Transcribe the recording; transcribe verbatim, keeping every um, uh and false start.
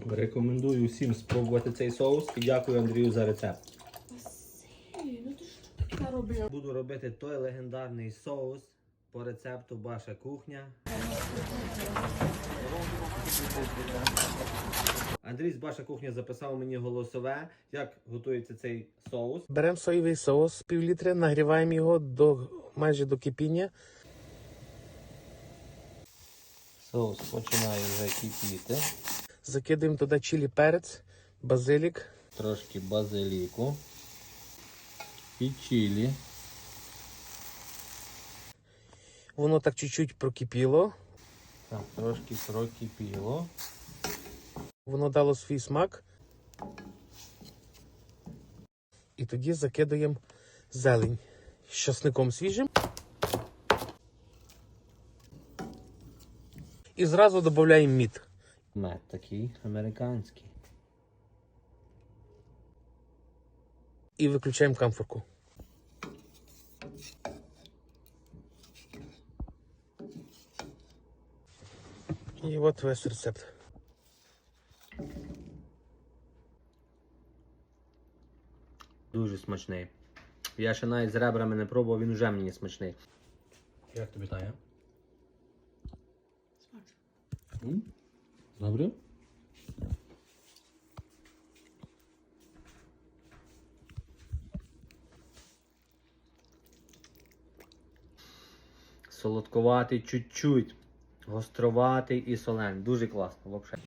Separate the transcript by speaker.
Speaker 1: Рекомендую всім спробувати цей соус і дякую Андрію за рецепт.
Speaker 2: Василь, ну ти що таке робив?
Speaker 1: Буду робити той легендарний соус по рецепту Ваша кухня. Андрій з Ваша кухня записав мені голосове, як готується цей соус.
Speaker 3: Беремо соєвий соус пів літри, нагріваємо його до майже до кипіння.
Speaker 1: Соус починає вже кипіти.
Speaker 3: Закидаємо туди чилі перець, базилік.
Speaker 1: Трошки базиліку і чилі.
Speaker 3: Воно так чуть-чуть прокипіло.
Speaker 1: Так, трошки прокипіло.
Speaker 3: Воно дало свій смак. І тоді закидаємо зелень з часником свіжим. І зразу додаємо мід.
Speaker 1: Мед такий американський.
Speaker 3: І виключаємо камфорку. І от весь рецепт.
Speaker 1: Дуже смачний. Я ще навіть з ребрами не пробував, він вже мені смачний. Як тобі Таня?
Speaker 2: Смачно.
Speaker 1: Добре? Солодковатий чуть-чуть, гостроватий і солений. Дуже класно, взагалі.